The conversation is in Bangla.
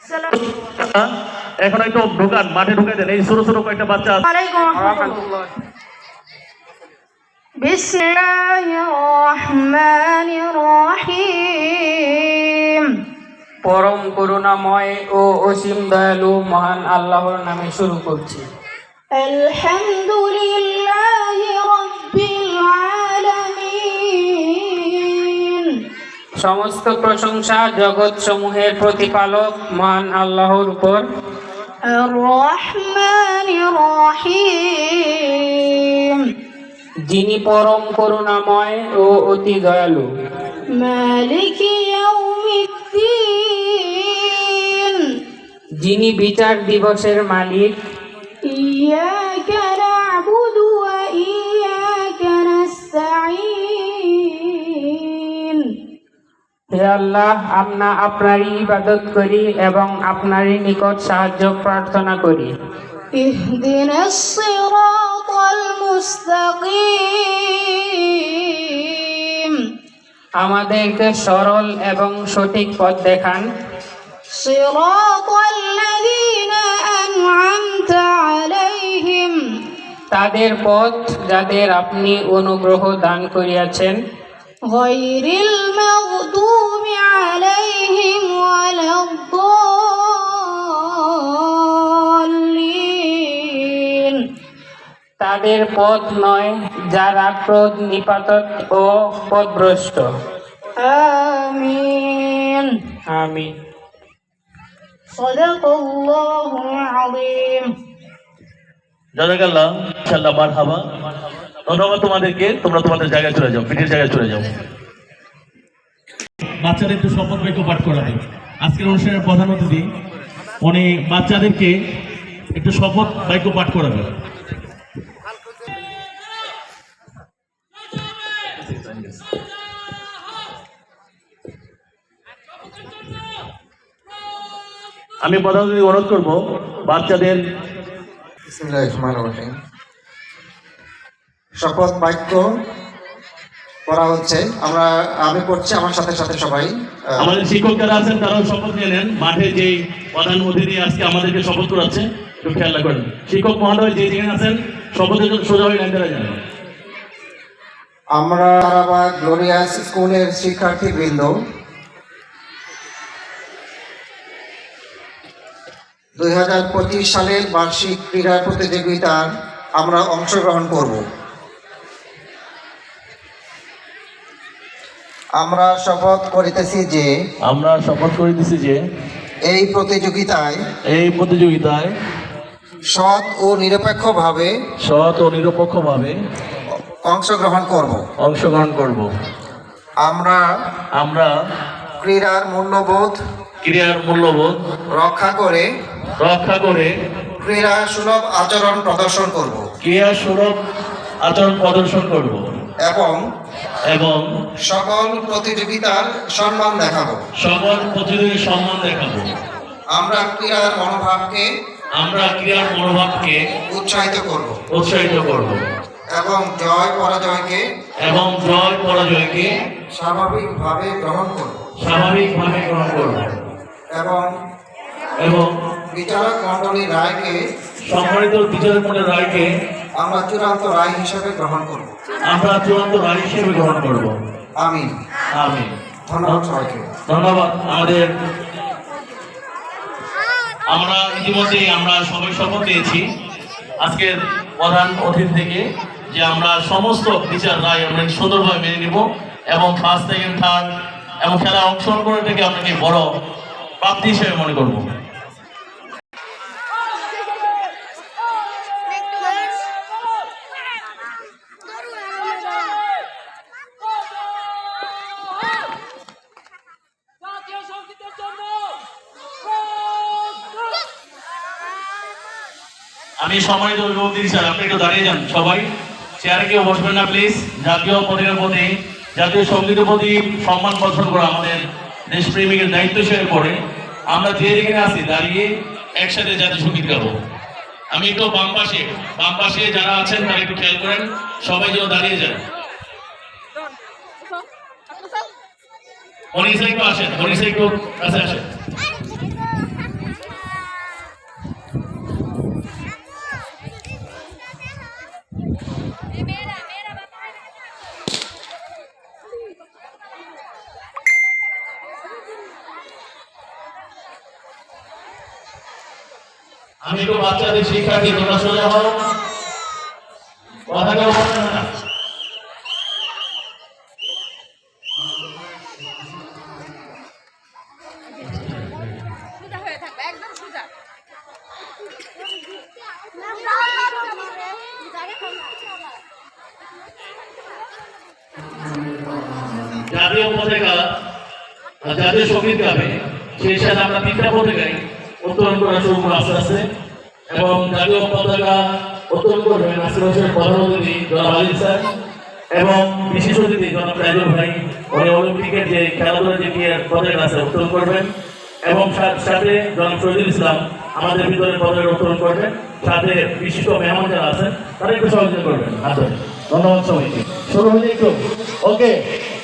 এখন একটু ঢোকান, মাঠে ঢুকে দেন। এই ছোট ছোট কয়েকটা বাচ্চা আছে। বিসমিল্লাহির রহমানির রহিম। পরম করুণাময় ও অসীম দয়ালু মহান আল্লাহর নামে শুরু করছি। আলহামদুলিল্লাহি রাব্বিল আলামিন। সমস্ত প্রশংসা জগৎ সমূহের প্রতিপালক মহান আল্লাহর উপর। আর রহমানির রহিম। যিনি পরম করুণাময় ও অতি দয়ালু। মালিকি ইয়াউমিদ্দিন। যিনি বিচার দিবসের মালিক। ইয়াকা না'বুদু ওয়া ইয়াকা নাস্তাঈন। হে আল্লাহ, আমরা আপনারই ইবাদত করি এবং আপনারই নিকট সাহায্য প্রার্থনা করি। ইহদিনাস সিরাতাল মুস্তাকিম। আমাদেরকে সরল এবং সঠিক পথ দেখান। সিরাতাল্লাযীনা আন'আমতা আলাইহিম। তাদের পথ যাদের আপনি অনুগ্রহ দান করিয়াছেন। গায়রিল মাগদুবি আলাইহিম ওয়ালাদ-দাল্লিন। তাদের পথ নয় যারা ক্রোধ নিপাতক ও পথভ্রষ্ট। আমিন। আমিন। সাদাকাল্লাহুল আযীম। জাযাকাল্লাহ, ইনশাআল্লাহ, মারহাবা। ধন্যবাদ তোমাদেরকে। তোমরা তোমাদের জায়গায় চলে যাও, পিঠের জায়গায় চলে যাও। বাচ্চাদের একটু শপথ বাক্য পাঠ করাবে। আজকের অনুষ্ঠানের প্রধান অতিথি উনি বাচ্চাদেরকে একটু শপথ বাক্য পাঠ করাবে। আমি প্রধান অতিথি অনুরোধ করবো বাচ্চাদের বিসমিল্লাহির রহমানির রহিম। শপথ বাক্য করা হচ্ছে। আমি করছি, আমার সাথে সাথে সবাই। আমাদের শিক্ষক যারা আছেন তারাও শপথ নিয়ে নেন। মাঠে যে প্রধান অতিথি আজকে আমাদেরকে শপথ করাচ্ছে, একটু খেয়াল রাখবেন। শিক্ষক মহোদয় যে যেখানে আছেন শপথের জন্য সোজা হয়ে লাইন ধরে যান। আমরা তারাবাগ গ্লোরিয়াস স্কুলের শিক্ষার্থীবৃন্দ 2025 সালের বার্ষিক ক্রীড়া প্রতিযোগিতার আমরা অংশগ্রহণ করব। আমরা শপথ করিতেছি যে এই প্রতিযোগিতায় সৎ ও নিরপেক্ষভাবে অংশগ্রহণ করব। আমরা ক্রীড়ার মূল্যবোধ রক্ষা করে ক্রীড়া সুলভ আচরণ প্রদর্শন করব এবং সকল প্রতিযোগিতার সম্মান দেখাবো। আমরা ক্রীড়ার মনোভাবকে উৎসাহিত করব এবং জয় পরাজয়কে স্বাভাবিকভাবে গ্রহণ করব এবং বিচারক মণ্ডলীর রায়কে আমরা চূড়ান্ত রায় হিসেবে গ্রহণ করব। আমিন। ধন্যবাদ সবাইকে। ধন্যবাদ। আমরা ইতিমধ্যেই সবাই শপথ নিয়েছি আজকের প্রধান অতিথি থেকে যে আমরা সমস্ত বিচার রায় আমরা সুন্দরভাবে মেনে নিব এবং ফার্স্ট, সেকেন্ড, থার্ড এবং খেলা অংশগ্রহণ করে থেকে আপনাকে বড় প্রাপ্তি হিসেবে মনে করব। আমি সম্মানিত অভিভাবক দিদি স্যার, আপনি একটু দাঁড়িয়ে যান। সবাই চেয়ারে কেউ বসবেন না প্লিজ। জাতীয় পতাকার প্রতি, জাতীয় সঙ্গীতের প্রতি সম্মান প্রদর্শন করা আমাদের দেশপ্রেমিকের দায়িত্ব হিসেবে পড়ে। আমরা যে যেখানে আছি দাঁড়িয়ে একসাথে জাতীয় সঙ্গীত গাবো। আমি একটু বাম পাশে যারা আছেন তারা একটু খেয়াল করেন, সবাই যেন দাঁড়িয়ে যান। মনীষা একটু আসেন, মনীষা একটু কাছে আসেন। আমি একটু বাচ্চাদের শিক্ষার্থী, তোমরা সোজা হও, কথা কেউ বলবে না। সোজা হয়ে থাকবে, একদম সোজা। জাতীয় পতাকা আর জাতীয় সঙ্গীত গাবে, সেই সাথে আমরা তিনটা পতাকাই উত্তোলন করা শুরু করবো আস্তে আস্তে। এবং জাতীয় পতাকা উত্তোলন করবেন আশেপাশের প্রধান অতিথি জনাব আলিম স্যার এবং বিশেষ অতিথি জনাব রাজুল ভাই। উনি অলিম্পিকের যে খেলাধুলার যে পতাকা আছে উত্তোলন করবেন এবং সাথে জনাব শহীদুল ইসলাম আমাদের ভিতরে পতাকা উত্তোলন করবেন। সাথে বিশিষ্ট মেহমান যারা আছেন তারা একটু সহযোগিতা করবেন। ধন্যবাদ সবাইকে। শুরু হলে একটু ওকে।